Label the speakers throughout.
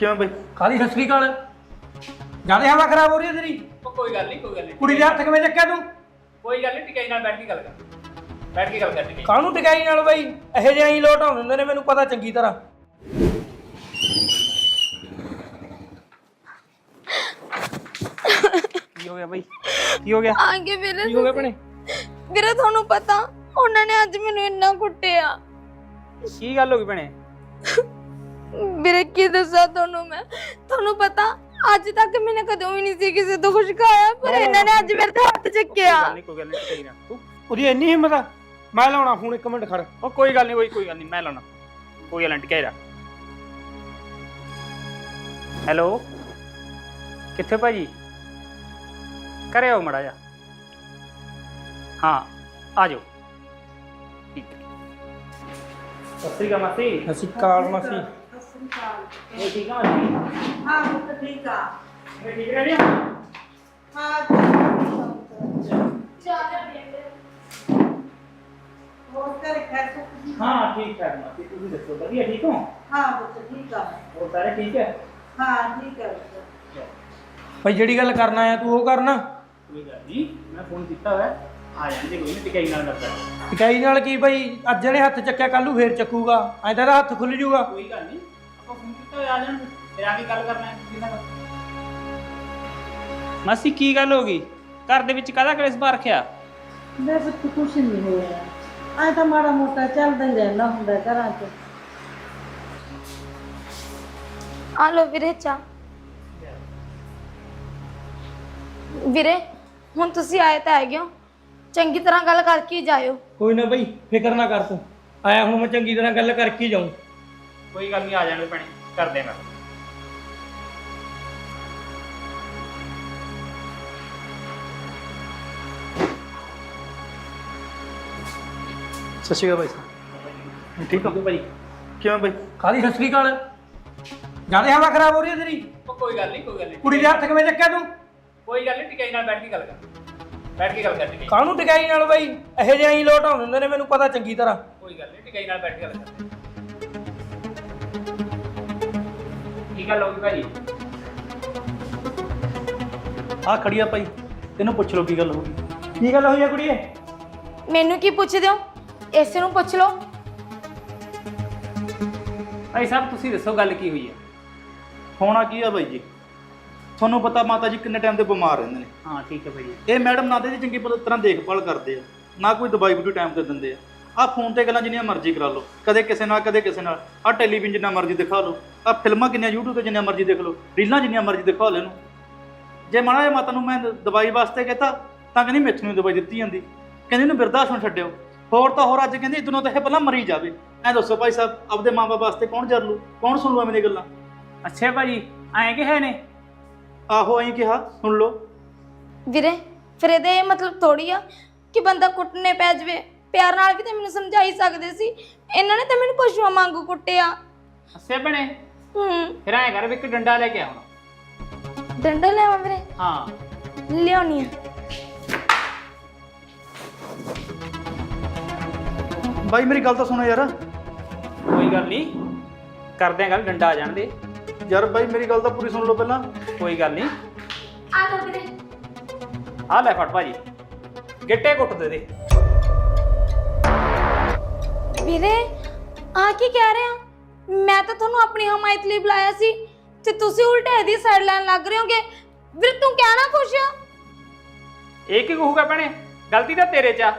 Speaker 1: ਕਿਵੇਂ ਬਈ?
Speaker 2: ਕਾਹਦੀ ਸਤਿ ਸ੍ਰੀ ਅਕਾਲ। ਜਿਆਦਾ ਹਵਾ ਖਰਾਬ ਹੋ ਰਹੀ ਹੈ ਤੇਰੀ।
Speaker 3: ਕੋਈ ਗੱਲ ਨਹੀਂ
Speaker 2: ਕੁੜੀ ਦੇ ਹੱਥ ਕਿਵੇਂ ਚੱਕਿਆ ਤੂੰ?
Speaker 3: ਕੋਈ ਗੱਲ ਨਹੀਂ, ਟਿਕਾਈ ਨਾਲ ਬੈਠ ਕੇ ਗੱਲ ਕਰ ਟਿਕਾਈ।
Speaker 2: ਕਾਹਨੂੰ ਟਿਕਾਈ ਨਾਲ ਬਈ? ਇਹੋ ਜਿਹੇ ਹੀ ਲੋਟ ਆਉਂਦੇ ਹੁੰਦੇ ਨੇ, ਮੈਨੂੰ ਪਤਾ ਚੰਗੀ ਤਰ੍ਹਾਂ।
Speaker 3: ਕੀ ਹੋ ਗਿਆ ਬਈ? ਕੀ ਹੋ ਗਿਆ?
Speaker 4: ਆਗੇ ਵੀਰੇ
Speaker 3: ਕੀ ਹੋ ਗਿਆ ਭੈਣੇ?
Speaker 4: ਵੀਰੇ ਤੁਹਾਨੂੰ ਪਤਾ ਉਹਨਾਂ ਨੇ ਅੱਜ ਮੈਨੂੰ ਇੰਨਾ ਕੁੱਟਿਆ।
Speaker 3: ਕੀ ਗੱਲ ਹੋ ਗਈ ਭੈਣੇ?
Speaker 4: ਵੀਰੇ ਕੀ ਦੱਸਾਂ ਤੁਹਾਨੂੰ ਪਤਾ ਅੱਜ ਤੱਕ ਮੈਨੇ ਕਦੋਂ ਵੀ ਨਹੀਂ ਸੀ ਕਿਸੇ ਤੋਂ ਕੁਝ ਖਾਇਆ, ਪਰ ਇਹਨਾਂ ਨੇ ਅੱਜ ਮੇਰੇ ਤੇ ਹੱਥ ਚੱਕਿਆ।
Speaker 3: ਕੋਈ ਗੱਲ ਨਹੀਂ ਟਿਕਾਈ ਨਾ ਤੂੰ।
Speaker 2: ਉਹਦੀ ਇੰਨੀ ਹਿੰਮਤ ਆ? ਮੈਂ ਲਾਉਣਾ ਫੋਨ, 1 ਮਿੰਟ ਖੜ।
Speaker 3: ਉਹ ਕੋਈ ਗੱਲ ਨਹੀਂ ਮੈਂ ਲਾਉਣਾ। ਕੋਈ ਗੱਲ ਨਹੀਂ ਟਿਕਾਈ ਰੱਖ। ਹੈਲੋ, ਕਿੱਥੇ ਭਾਜੀ? ਘਰੇ ਆਓ ਮੜਾ ਜਾ। ਹਾਂ ਆ ਜਾਓ। ਠੀਕ ਹੈ। ਸਤਿ ਸ਼੍ਰੀ ਅਕਾਲ ਮਾਸੀ।
Speaker 2: ਸਤਿ ਸ੍ਰੀ ਅਕਾਲ ਮਾਸੀ।
Speaker 3: ਇਹ ਠੀਕ ਆ ਮਾਸੀ?
Speaker 5: हाँ वो तो ठीक है।
Speaker 3: ਮੈਂ ਠੀਕ ਰਹਿ ਰਹੀ
Speaker 5: हाँ वो तेरे घर से कुछ
Speaker 3: ਹਾਂ ਠੀਕ ਠਾਕ ਮਾਸੀ, ਤੁਸੀਂ ਦੱਸੋ ਵਧੀਆ ਠੀਕ ਹੋ?
Speaker 5: हाँ वो तो ठीक है।
Speaker 3: ਹੋਰ ਸਾਰੇ ਠੀਕ ਹੈ?
Speaker 5: हाँ ठीक है वो तो।
Speaker 2: ਬਈ ਜਿਹੜੀ ਗੱਲ ਕਰਨਾ ਆਇਆ ਤੂੰ ਉਹ ਕਰਨਾ।
Speaker 3: ਕੋਈ ਗੱਲ ਨਹੀਂ, ਮੈਂ ਫੋਨ ਕੀਤਾ ਹੋਇਆ, ਆ ਜਾਂਦੇ ਕੋਈ ਨਹੀਂ, ਟਿਕਾਈ ਨਾਲ ਕਰਦਾ।
Speaker 2: ਟਿਕਾਈ ਨਾਲ ਕੀ ਬਈ? ਅੱਜ ਜਿਹੜੇ ਹੱਥ ਚੱਕਿਆ ਕੱਲ ਨੂੰ ਫੇਰ ਚੱਕੂਗਾ, ਐਂ ਤਾਂ ਇਹਦਾ ਹੱਥ ਖੁੱਲ ਜੂਗਾ।
Speaker 3: ਕੋਈ ਗੱਲ ਨਹੀਂ, ਆਪਾਂ ਫੋਨ ਕੀਤਾ ਹੋਇਆ, ਆ ਜਾਣਗੇ, ਫਿਰ ਆ ਕੇ ਗੱਲ ਕਰਨਾ ਹੈ ਕਿਹਨਾਂ ਨਾਲ। ਮਾਸੀ ਕੀ ਗੱਲ ਹੋ ਗਈ? ਘਰ ਦੇ ਵਿੱਚ ਕਾਹਦਾ ਕਲੇਸ਼ ਪਾ ਰੱਖਿਆ?
Speaker 5: वैसे तो कुछ नहीं होया। आए तो माड़ा मोटा चलता ही रहना हुंदा घरां च।
Speaker 4: ਆ ਲੋ ਵੀਰੇ ਚਾਹ। ਵੀਰੇ ਹੁਣ ਤੁਸੀਂ ਆਏ ਤਾਂ ਹੈਗੇ ਹੋ, ਚੰਗੀ ਤਰ੍ਹਾਂ ਗੱਲ ਕਰਕੇ ਹੀ ਜਾਇਓ।
Speaker 2: ਕੋਈ ਨਾ ਬਈ, ਫਿਕਰ ਨਾ ਕਰ ਤੂੰ। ਆਇਆ ਹੁਣ ਮੈਂ ਚੰਗੀ ਤਰ੍ਹਾਂ ਗੱਲ ਕਰਕੇ ਹੀ ਜਾਊਂ।
Speaker 3: ਕੋਈ ਗੱਲ ਨਹੀਂ, ਆ ਜਾਣਗੇ ਭੈਣੇ, ਕਰਦੇ ਮੈਂ।
Speaker 1: ਸਤਿ ਸ਼੍ਰੀ ਅਕਾਲ ਬਾਈ।
Speaker 3: ਠੀਕ ਹੋ ਭਾਈ?
Speaker 1: ਕਿਵੇਂ ਬਈ?
Speaker 2: ਕਾਹਦੀ ਸਤਿ ਸ੍ਰੀ ਅਕਾਲ। ਜਿਆਦਾ ਹਵਾ ਖਰਾਬ ਹੋ ਰਹੀ ਹੈ ਤੇਰੀ।
Speaker 3: ਕੋਈ ਗੱਲ ਨਹੀਂ
Speaker 2: ਕੁੜੀ ਦੇ ਹੱਥ ਕਿਵੇਂ ਚੱਕਿਆ ਤੂੰ?
Speaker 3: ਕੋਈ ਗੱਲ ਨਹੀਂ, ਟਿਕਾਈ ਨਾਲ ਬੈਠ ਕੇ ਗੱਲ ਕਰ ਟਿਕਾਈ।
Speaker 2: ਕਾਹਨੂੰ ਟਿਕਾਈ ਨਾਲ ਬਈ? ਇਹੋ ਜਿਹੇ ਹੀ ਲੋਟ ਆਉਂਦੇ ਹੁੰਦੇ ਨੇ, ਮੈਨੂੰ ਪਤਾ ਚੰਗੀ ਤਰ੍ਹਾਂ।
Speaker 3: ਕੋਈ ਗੱਲ ਨਹੀਂ, ਟਿਕਾਈ ਨਾਲ ਬੈਠ ਕੇ ਗੱਲ ਕਰ। ਕੀ ਗੱਲ ਹੋ ਗਈ ਭਾਜੀ?
Speaker 1: ਆ ਖੜੀ ਆ ਭਾਈ, ਤੈਨੂੰ ਪੁੱਛ ਲਓ ਕੀ ਗੱਲ ਹੋ ਗਈ।
Speaker 2: ਕੀ ਗੱਲ ਹੋਈ ਆ ਕੁੜੀਏ?
Speaker 4: ਮੈਨੂੰ ਕੀ ਪੁੱਛਦੇ ਹੋ? ਇਸੇ ਨੂੰ ਪੁੱਛ ਲਓ।
Speaker 3: ਭਾਈ ਸਾਹਿਬ ਤੁਸੀਂ ਦੱਸੋ ਗੱਲ ਕੀ ਹੋਈ ਹੈ?
Speaker 1: ਹੋਣਾ ਕੀ ਆ ਬਾਈ ਜੀ, ਤੁਹਾਨੂੰ ਪਤਾ ਮਾਤਾ ਜੀ ਕਿੰਨੇ ਟਾਈਮ ਦੇ ਬਿਮਾਰ ਰਹਿੰਦੇ ਨੇ।
Speaker 3: ਹਾਂ ਠੀਕ ਹੈ ਭਾਈ।
Speaker 1: ਇਹ ਮੈਡਮ ਨਾ ਤੇ ਚੰਗੀ ਤਰ੍ਹਾਂ ਦੇਖਭਾਲ ਕਰਦੇ ਆ, ਨਾ ਕੋਈ ਦਵਾਈ ਬੂਟੀ ਟਾਈਮ ਤੇ ਦਿੰਦੇ ਆ। ਆਹ ਫੋਨ ਤੇ ਗੱਲਾਂ ਜਿੰਨੀਆਂ ਮਰਜ਼ੀ ਕਰਾ ਲਓ, ਕਦੇ ਕਿਸੇ ਨਾਲ ਕਦੇ ਕਿਸੇ ਨਾਲ। ਆਹ ਟੈਲੀਵਿਜ਼ਨ ਜਿੰਨਾ ਮਰਜ਼ੀ ਦਿਖਾ ਲਓ, ਆਹ ਫਿਲਮਾਂ ਕਿੰਨੀਆਂ YouTube ਤੇ ਜਿੰਨੀਆਂ ਮਰਜ਼ੀ ਦੇਖ ਲਓ, ਰੀਲਾਂ ਜਿੰਨੀਆਂ ਮਰਜ਼ੀ ਦਿਖਾ ਲਓ ਇਹਨੂੰ। ਜੇ ਮਾੜਾ ਜਿਹਾ ਮਾਤਾ ਨੂੰ ਮੈਂ ਦਵਾਈ ਵਾਸਤੇ ਕਹਤਾ ਤਾਂ ਕਹਿੰਦੀ ਮੈਥੋਂ ਹੀ ਦਵਾਈ ਦਿੱਤੀ ਜਾਂਦੀ, ਕਹਿੰਦੀ ਇਹਨੂੰ ਬਿਰਧ ਆਸ਼ਰਮ ਛੱਡਿਓ। ਹੋਰ ਤਾਂ ਹੋਰ ਅੱਜ ਕਹਿੰਦੀ ਇਦੋਂ ਤਾਂ ਇਹ ਪਹਿਲਾਂ ਮਰੀ ਜਾਵੇ। ਐ ਦੱਸੋ ਭਾਈ ਸਾਹਿਬ, ਆਪਦੇ ਮਾਂ-ਬਾਪ ਵਾਸਤੇ ਕੌਣ ਜਰ ਲੂ, ਕੌਣ ਸੁਣ ਲੂ ਮੇਰੀ ਗੱਲਾਂ?
Speaker 3: ਅੱਛਾ ਭਾਜੀ, ਐਂ ਕਿ ਹੈ ਨੇ?
Speaker 1: ਆਹੋ ਐਂ ਕਿਹਾ, ਸੁਣ ਲਓ।
Speaker 4: ਵੀਰੇ ਫਿਰ ਇਹਦਾ ਇਹ ਮਤਲਬ ਥੋੜੀ ਆ ਕਿ ਬੰਦਾ ਕੁੱਟਣੇ ਪੈ ਜਾਵੇ। ਪਿਆਰ ਨਾਲ ਵੀ ਤਾਂ ਮੈਨੂੰ ਸਮਝਾ ਹੀ ਸਕਦੇ ਸੀ, ਇਹਨਾਂ ਨੇ ਤਾਂ ਮੈਨੂੰ ਪਸ਼ੂਆਂ ਵਾਂਗੂ ਕੁੱਟਿਆ।
Speaker 3: ਅੱਛਾ ਭੈਣੇ, ਫਿਰ ਐਂ ਕਰ ਵੀ ਇੱਕ ਡੰਡਾ ਲੈ ਕੇ ਆ ਹੁਣ।
Speaker 4: ਡੰਡਾ ਲਿਆਵਾਂ ਵੀਰੇ?
Speaker 3: ਹਾਂ
Speaker 4: ਲਿਆਉਣੀ ਆ।
Speaker 1: ਬਾਈ ਮੇਰੀ ਗੱਲ ਤਾਂ ਸੁਣੋ ਯਾਰ।
Speaker 3: ਕੋਈ ਗੱਲ ਨਹੀਂ, ਕਰਦੇ ਆਂ ਗੱਲ, ਡੰਡਾ ਆ ਜਾਣ ਦੇ।
Speaker 1: ਯਾਰ ਬਾਈ ਮੇਰੀ ਗੱਲ ਤਾਂ ਪੂਰੀ ਸੁਣ ਲਓ ਪਹਿਲਾਂ।
Speaker 3: ਕੋਈ ਗੱਲ ਨਹੀਂ,
Speaker 4: ਆ ਲਓ ਵੀਰੇ।
Speaker 3: ਆ ਲੈ ਫੜ ਭਾਜੀ, ਗਿੱਟੇ ਕੁੱਟ ਦੇ ਦੇ।
Speaker 4: ਵੀਰੇ ਆ ਕੀ ਕਹਿ ਰਹੇ ਆ? ਮੈਂ ਤਾਂ ਤੁਹਾਨੂੰ ਆਪਣੀ ਹਮਾਇਤ ਲਈ ਬੁਲਾਇਆ ਸੀ ਤੇ ਤੁਸੀਂ ਉਲਟੇ ਇਹਦੀ ਸਾਈਡ ਲੈਣ ਲੱਗ ਰਹੇ ਹੋਗੇ। ਵੀਰੇ ਤੂੰ ਕਹਿਣਾ ਕੁਛ ਆ?
Speaker 3: ਇਹ ਕੀ ਕਹੂਗਾ ਭੈਣੇ, ਗਲਤੀ ਤਾਂ ਤੇਰੇ 'ਚ ਆ।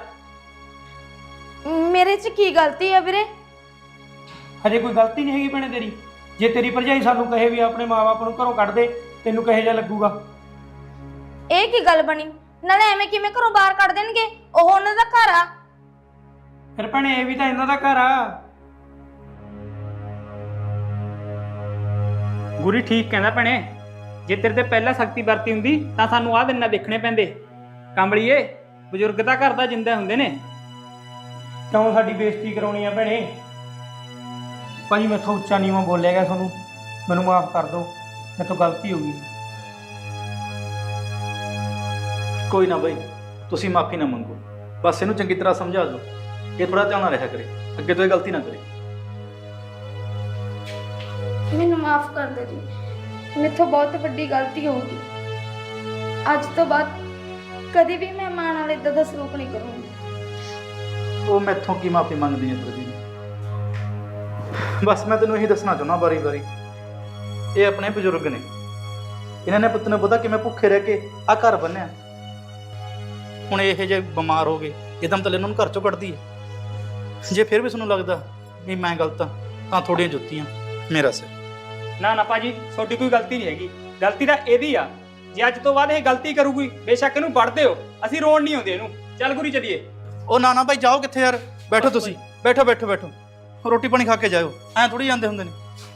Speaker 4: ਮੇਰੇ 'ਚ ਕੀ ਗਲਤੀ ਆ ਵੀਰੇ?
Speaker 2: ਹਜੇ ਕੋਈ ਗਲਤੀ ਨਹੀਂ ਹੈਗੀ ਭੈਣੇ ਤੇਰੀ। ਜੇ ਤੇਰੀ ਭਰਜਾਈ ਸਾਨੂੰ ਕਹੇ ਵੀ ਆਪਣੇ ਮਾਂ-ਬਾਪ ਨੂੰ ਘਰੋਂ ਕੱਢ ਦੇ, ਤੈਨੂੰ ਕਿਹੋ ਜਿਹਾ ਲੱਗੂਗਾ?
Speaker 4: ਇਹ ਕੀ ਗੱਲ ਬਣੀ? ਨਾਲੇ ਐਵੇਂ ਕਿਵੇਂ ਘਰੋਂ ਬਾਹਰ ਕੱਢ ਦੇਣਗੇ? ਉਹ ਉਹਨਾਂ ਦਾ ਘਰ ਆ।
Speaker 2: ਫਿਰ ਭੈਣੇ ਇਹ ਵੀ ਤਾਂ ਇਹਨਾਂ ਦਾ ਘਰ ਆ।
Speaker 3: ਗੁਰੀ ਠੀਕ ਕਹਿੰਦਾ ਭੈਣੇ, ਜੇ ਤੇਰੇ ਤੇ ਪਹਿਲਾਂ ਸਖਤੀ ਵਰਤੀ ਹੁੰਦੀ ਤਾਂ ਸਾਨੂੰ ਆਹ ਦਿਨ ਨਾ ਦੇਖਣੇ ਪੈਂਦੇ। ਕੰਬਲੀਏ, ਬਜ਼ੁਰਗ ਤਾਂ ਘਰ ਦਾ ਜਿੰਦਾ ਹੁੰਦੇ ਨੇ।
Speaker 2: ਕਿਉਂ ਸਾਡੀ ਬੇਇੱਜ਼ਤੀ ਕਰਾਉਣੀ ਆ ਭੈਣੇ? ਭਾਜੀ ਮੈਥੋਂ ਉੱਚਾ ਨੀਵਾਂ ਬੋਲਿਆ ਗਿਆ ਤੁਹਾਨੂੰ, ਮੈਨੂੰ ਮਾਫ ਕਰ ਦਿਓ, ਮੇਰੇ ਤੋਂ ਗਲਤੀ ਹੋ ਗਈ।
Speaker 1: ਕੋਈ ਨਾ ਬਾਈ, ਤੁਸੀਂ ਮਾਫੀ ਨਾ ਮੰਗੋ, ਬਸ ਇਹਨੂੰ ਚੰਗੀ ਤਰ੍ਹਾਂ ਸਮਝਾ ਦਿਓ। ਇਹ ਥੋੜਾ ਧਿਆਨ ਨਾਲ ਰਿਹਾ ਕਰੇ, ਅੱਗੇ ਤੋਂ ਇਹ ਗਲਤੀ ਨਾ ਕਰੇ।
Speaker 4: ਮੈਨੂੰ ਮਾਫ ਕਰ ਦਿਓ ਜੀ, ਮੇਥੋਂ ਬਹੁਤ ਵੱਡੀ ਗਲਤੀ ਹੋ ਗਈ। ਅੱਜ ਤੋਂ ਬਾਅਦ ਕਦੇ ਵੀ ਮੈਂ ਮਾਂ ਨਾਲ ਇਦਾਂ ਦਾ ਸਲੂਕ ਨਹੀਂ ਕਰੂੰਗੀ।
Speaker 1: ਉਹ ਮੈਥੋਂ ਕੀ ਮਾਫੀ ਮੰਗਦੀ ਹੈ ਪ੍ਰਦੀਪ? ਬਸ ਮੈਂ ਤੈਨੂੰ ਇਹੀ ਦੱਸਣਾ ਚਾਹੁੰਦਾ ਵਾਰੀ-ਵਾਰੀ, ਇਹ ਆਪਣੇ ਬਜ਼ੁਰਗ ਨੇ, ਇਹਨਾਂ ਨੇ ਪੁੱਤ ਨੂੰ ਪਤਾ ਕਿਵੇਂ ਭੁੱਖੇ ਰਹਿ ਕੇ ਆ ਘਰ ਬੰਨਿਆ। ਹੁਣ ਇਹ ਜੇ ਬਿਮਾਰ ਹੋ ਗਏ ਇੱਕਦਮ ਤਾਂ ਇਹਨਾਂ ਨੂੰ ਘਰ ਚੋਂ ਕੱਢਦੀ ਹੈ। ਜੇ ਫਿਰ ਵੀ ਤੁਹਾਨੂੰ ਲੱਗਦਾ ਵੀ ਮੈਂ ਗਲਤ ਹਾਂ ਤਾਂ ਥੋੜੀਆਂ ਜੁੱਤੀਆਂ ਮੇਰਾ ਸਿਰ।
Speaker 3: ਨਾ ਨਾ ਭਾਜੀ, ਤੁਹਾਡੀ ਕੋਈ ਗਲਤੀ ਨਹੀਂ ਹੈਗੀ, ਗਲਤੀ ਤਾਂ ਇਹਦੀ ਆ। ਜੇ ਅੱਜ ਤੋਂ ਬਾਅਦ ਇਹ ਗਲਤੀ ਕਰੂਗੀ ਬੇਸ਼ੱਕ ਇਹਨੂੰ ਵੜ ਦਿਓ, ਅਸੀਂ ਰੋਣ ਨਹੀਂ ਆਉਂਦੇ ਇਹਨੂੰ। ਚੱਲ ਗੁਰੀ ਚੱਲੀਏ।
Speaker 1: ਉਹ ਨਾ ਭਾਈ ਜਾਓ ਕਿੱਥੇ ਯਾਰ, ਬੈਠੋ ਤੁਸੀਂ, ਬੈਠੋ ਬੈਠੋ ਬੈਠੋ, ਰੋਟੀ ਪਾਣੀ ਖਾ ਕੇ ਜਾਇਓ, ਐਂ ਥੋੜੀ ਜਾਂਦੇ ਹੁੰਦੇ ਨੇ।